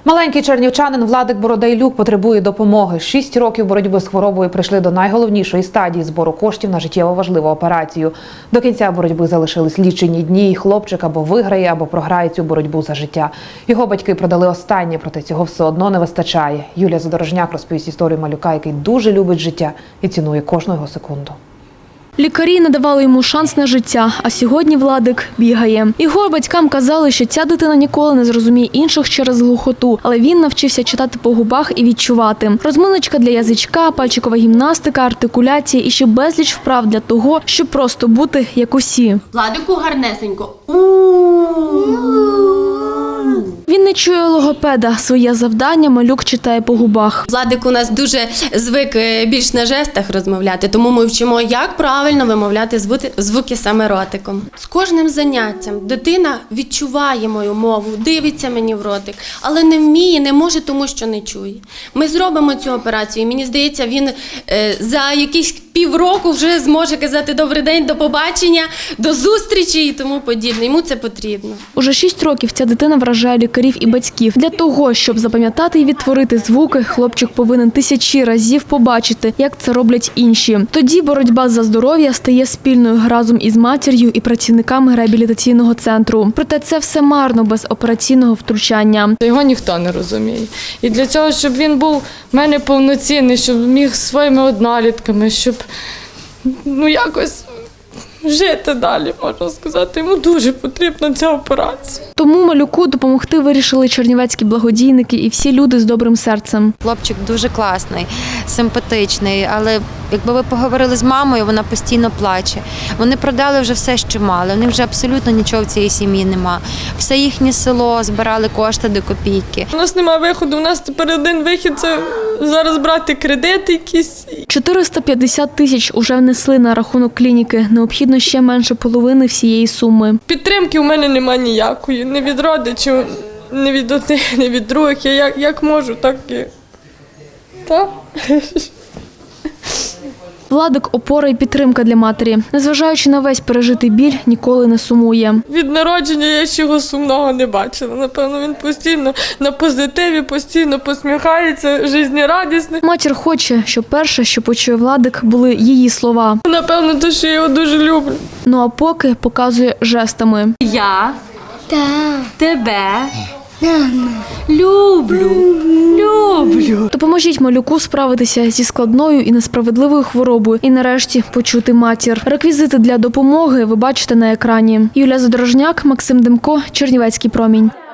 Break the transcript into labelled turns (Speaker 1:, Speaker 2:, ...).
Speaker 1: Маленький чернівчанин Владик Бородайлюк потребує допомоги. 6 років боротьби з хворобою прийшли до найголовнішої стадії збору коштів на життєво важливу операцію. До кінця боротьби залишились лічені дні, і хлопчик або виграє, або програє цю боротьбу за життя. Його батьки продали останнє, проте цього все одно не вистачає. Юлія Задорожняк розповість історію малюка, який дуже любить життя і цінує кожну його секунду.
Speaker 2: Лікарі надавали йому шанс на життя, а сьогодні Владик бігає. Його батькам казали, що ця дитина ніколи не зрозуміє інших через глухоту, але він навчився читати по губах і відчувати. Розминочка для язичка, пальчикова гімнастика, артикуляція і ще безліч вправ для того, щоб просто бути як усі.
Speaker 3: Владику гарнесенько.
Speaker 2: Він не чує логопеда. Своє завдання малюк читає по губах.
Speaker 3: Владик у нас дуже звик більш на жестах розмовляти, тому ми вчимо, як правильно вимовляти звуки саме ротиком. З кожним заняттям дитина відчуває мою мову, дивиться мені в ротик, але не вміє, не може, тому що не чує. Ми зробимо цю операцію, і мені здається, він за якісь півроку вже зможе казати «добрий день», «до побачення», «до зустрічі» і тому подібне. Йому це потрібно.
Speaker 2: Уже 6 років ця дитина вражає лікарів і батьків. Для того, щоб запам'ятати і відтворити звуки, хлопчик повинен тисячі разів побачити, як це роблять інші. Тоді боротьба за здоров'я стає спільною разом із матір'ю і працівниками реабілітаційного центру. Проте це все марно без операційного втручання.
Speaker 4: Його ніхто не розуміє. І для цього, щоб він був в мене повноцінний, щоб міг зі своїми однолітками, щоб якось жити далі, можна сказати. Йому дуже потрібна ця операція.
Speaker 2: Тому малюку допомогти вирішили чернівецькі благодійники і всі люди з добрим серцем.
Speaker 5: Хлопчик дуже класний, симпатичний, але якби ви поговорили з мамою, вона постійно плаче. Вони продали вже все, що мали, у них вже абсолютно нічого в цій сім'ї нема. Все їхнє село збирали кошти до копійки.
Speaker 4: У нас немає виходу, у нас тепер один вихід – це зараз брати кредити якісь.
Speaker 2: 450 тисяч уже внесли на рахунок клініки. Необхідно ще менше половини всієї суми.
Speaker 4: Підтримки у мене немає ніякої, ні від родичів, ні від одних, ні від других. Я як можу, так і... Так.
Speaker 2: Владик – опора і підтримка для матері. Незважаючи на весь пережитий біль, ніколи не сумує.
Speaker 4: Від народження я ще його сумного не бачила. Напевно, він постійно на позитиві, постійно посміхається, життєрадісний.
Speaker 2: Матір хоче, щоб перше, що почує Владик, були її слова.
Speaker 4: Напевно, те, що я його дуже люблю.
Speaker 2: Ну а поки показує жестами.
Speaker 3: Я тебе люблю.
Speaker 2: Допоможіть малюку справитися зі складною і несправедливою хворобою і нарешті почути матір. Реквізити для допомоги ви бачите на екрані. Юлія Задорожняк, Максим Демко, Чернівецький промінь.